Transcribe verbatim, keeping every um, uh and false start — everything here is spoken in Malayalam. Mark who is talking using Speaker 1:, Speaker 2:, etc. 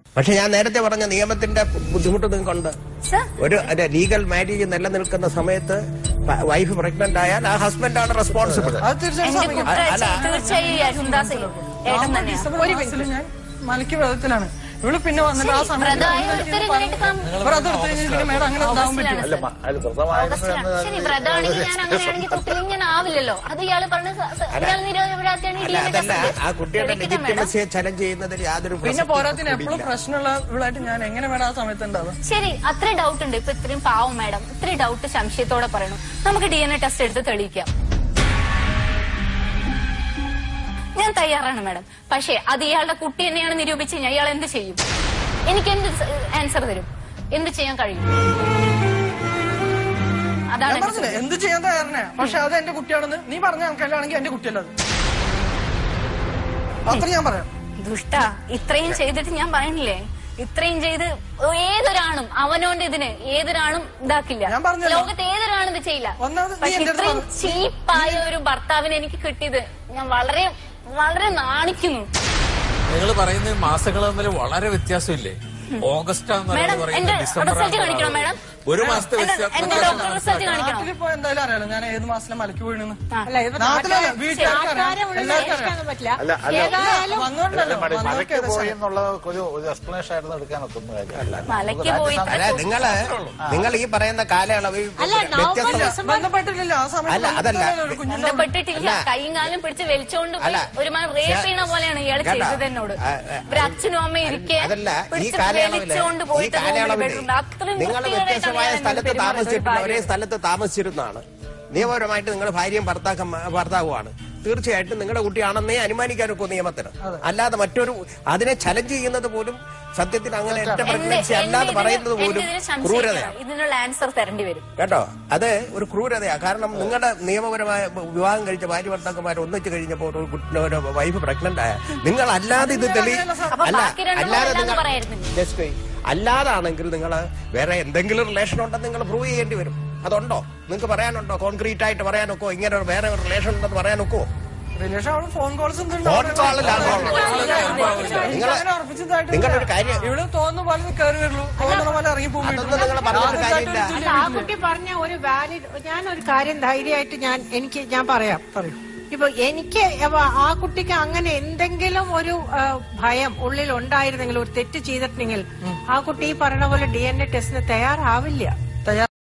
Speaker 1: പക്ഷെ ഞാൻ നേരത്തെ പറഞ്ഞ നിയമത്തിന്റെ ബുദ്ധിമുട്ട് നിങ്ങൾക്കുണ്ട്. ഒരു ലീഗൽ മാരേജ് നിലനിൽക്കുന്ന സമയത്ത് വൈഫ് പ്രഗ്നന്റ് ആയാൽ ആ ഹസ്ബൻഡാണ് റെസ്പോൺസിബിൾ.
Speaker 2: ഞാൻ മലക്ക് വ്രതത്തിലാണ്. ഇവള് പിന്നെ വന്നിട്ട് ആ സമയത്ത്
Speaker 3: ആവില്ലല്ലോ. അത് ഇയാള് പറഞ്ഞ
Speaker 1: ആ കുട്ടിയുടെ ലെജിറ്റിമസിയെ ചലഞ്ച് ചെയ്യുന്നതിൽ യാതൊരു
Speaker 2: പിന്നെ പോരാത്തിന് എപ്പോഴും പ്രശ്നമുള്ള ഇവളായിട്ട് ഞാൻ എങ്ങനെ വേണം ആ സമയത്ത് ഉണ്ടാവും.
Speaker 3: ശരി, അത്രയും ഡൗട്ട് ഉണ്ട്. ഇപ്പൊ ഇത്രയും പാവം മാഡം ഇത്രയും ഡൗട്ട് സംശയത്തോടെ പറയണം. നമുക്ക് ഡി എൻ എ ടെസ്റ്റ് എടുത്ത് തെളിയിക്കാം. ഞാൻ തയ്യാറാണ് മാഡം. പക്ഷേ അത് ഇയാളുടെ കുട്ടി തന്നെയാണ് നിരൂപിച്ച് കഴിഞ്ഞാൽ ഇയാൾ എന്ത് ചെയ്യും? എനിക്ക് എന്ത് ആൻസർ തരും? എന്ത് ചെയ്യാൻ കഴിയും? അതാണ്
Speaker 2: എന്ത് ചെയ്യാൻ തയ്യാറേ. പക്ഷെ അത് എന്റെ കുട്ടിയാണെന്ന് നീ പറഞ്ഞ കണക്കല്ലാണെങ്കിൽ എന്റെ കുട്ടിയല്ല അത്. അത്ര ഞാൻ പറയാം.
Speaker 3: ദുഷ്ട, ഇത്രയും ചെയ്തിട്ട് ഞാൻ പറയണില്ലേ, ഇത്രയും ചെയ്ത് ഏതൊരാണും അവനോന്റെ ഇതിന് ഏതൊരാണും ഇതാക്കില്ല. ലോകത്ത് ഏതൊരാണും ഇത് ചെയ്യില്ല. പക്ഷെ ഇത്രയും ചീപ്പായ ഒരു ഭർത്താവിനെ എനിക്ക് കിട്ടിയത് ഞാൻ വളരെ വളരെ നാണിക്കുന്നു.
Speaker 4: നിങ്ങൾ പറയുന്ന മാസങ്ങൾ തമ്മിൽ വളരെ വ്യത്യാസമില്ലേ? ഓഗസ്റ്റ്
Speaker 3: റിസൾട്ട് കാണിക്കണം മാഡം.
Speaker 4: ഒരു മാസത്തെ
Speaker 3: റിസൾട്ട് കാണിക്കണം.
Speaker 2: എന്തായാലും അറിയാലോ ഞാൻ ഏത് മാസത്തിലെ മലക്ക് വീണെന്ന്.
Speaker 5: മലക്ക് പോയി എന്നുള്ള ഒരു എക്സ്പ്ലനേഷൻ ആയിരുന്നു എടുക്കാനൊന്നും
Speaker 3: മലക്ക് പോയി
Speaker 1: നിങ്ങള് നിങ്ങൾ ഈ പറയുന്ന കാലയളവ്
Speaker 2: ബന്ധപ്പെട്ടിട്ടില്ല. ആ സമയത്ത്
Speaker 1: അതല്ല
Speaker 3: ബന്ധപ്പെട്ടിട്ടില്ല. കൈയും കാലും പിടിച്ച് വലിച്ചോണ്ട് ഒരു മാസം റേപ്പ് ചെയ്യണ പോലെയാണ് ഇയാൾ ചെയ്തത് എന്നോട്. ഒരു അച്ഛനും അമ്മ ഇരിക്കെ വലിച്ചോണ്ട് പോയിട്ട്
Speaker 1: നിങ്ങൾ വ്യത്യസ്തമായ സ്ഥലത്ത് താമസിച്ചിട്ടുള്ള ഒരേ സ്ഥലത്ത് താമസിച്ചിരുന്നതാണ്. നിയമപരമായിട്ട് നിങ്ങൾ ഭാര്യയും ഭർത്താക്ക ഭർത്താവുമാണ്. തീർച്ചയായിട്ടും നിങ്ങളുടെ കുട്ടിയാണെന്നേ അനുമാനിക്കാനൊക്കെ നിയമത്തിന്. അല്ലാതെ മറ്റൊരു അതിനെ ചലഞ്ച് ചെയ്യുന്നത് പോലും സത്യത്തിൽ അങ്ങനെ ഒറ്റ പ്രഗ്നൻസി അല്ലാതെ പറയുന്നത് പോലും ക്രൂരതയാണ്.
Speaker 3: ഇതിനുള്ള ആൻസർ തരേണ്ടി വരും
Speaker 1: കേട്ടോ. അത് ഒരു ക്രൂരതയാണ്. കാരണം നിങ്ങളുടെ നിയമപരമായ വിവാഹം കഴിച്ച ഭാര്യ ഭർത്താക്കന്മാർ ഒന്നിച്ചു കഴിഞ്ഞപ്പോൾ ഒരു കുട്ടിയുടെ വൈഫ് പ്രഗ്നന്റ് ആയ നിങ്ങൾ അല്ലാതെ ഇത് തെളി അല്ല അല്ലാതെ നിങ്ങൾ അല്ലാതാണെങ്കിൽ നിങ്ങൾ വേറെ എന്തെങ്കിലും റിലേഷൻ ഉണ്ടെന്ന് നിങ്ങൾ പ്രൂവ് ചെയ്യേണ്ടി വരും. അതുണ്ടോ? നിങ്ങൾക്ക് പറയാനുണ്ടോ? കോൺക്രീറ്റ് ആയിട്ട് പറയാനൊക്കോ? ഇങ്ങനെ വേറെ ഒരു റിലേഷൻ ഉണ്ടെന്ന് പറയാനൊക്കോ?
Speaker 2: ഫോൺ കോൾസ്
Speaker 1: നിങ്ങളൊരു കാര്യം
Speaker 2: ഇവിടെ തോന്നുന്ന പോലെ കയറി വരുള്ളൂ, തോന്നുന്ന പോലെ ഇറങ്ങി പോകും.
Speaker 6: ആ കുട്ടി പറഞ്ഞ ഒരു വാലിഡ് ഞാനൊരു കാര്യം ധൈര്യമായിട്ട് ഞാൻ എനിക്ക് ഞാൻ പറയാം. ഇപ്പൊ എനിക്ക് ആ കുട്ടിക്ക് അങ്ങനെ എന്തെങ്കിലും ഒരു ഭയം ഉള്ളിൽ ഉണ്ടായിരുന്നെങ്കിൽ, ഒരു തെറ്റ് ചെയ്തിട്ടുണ്ടെങ്കിൽ ആ കുട്ടി ഈ പറഞ്ഞ പോലെ ഡി എൻ എ ടെസ്റ്റിന് തയ്യാറാവില്ല.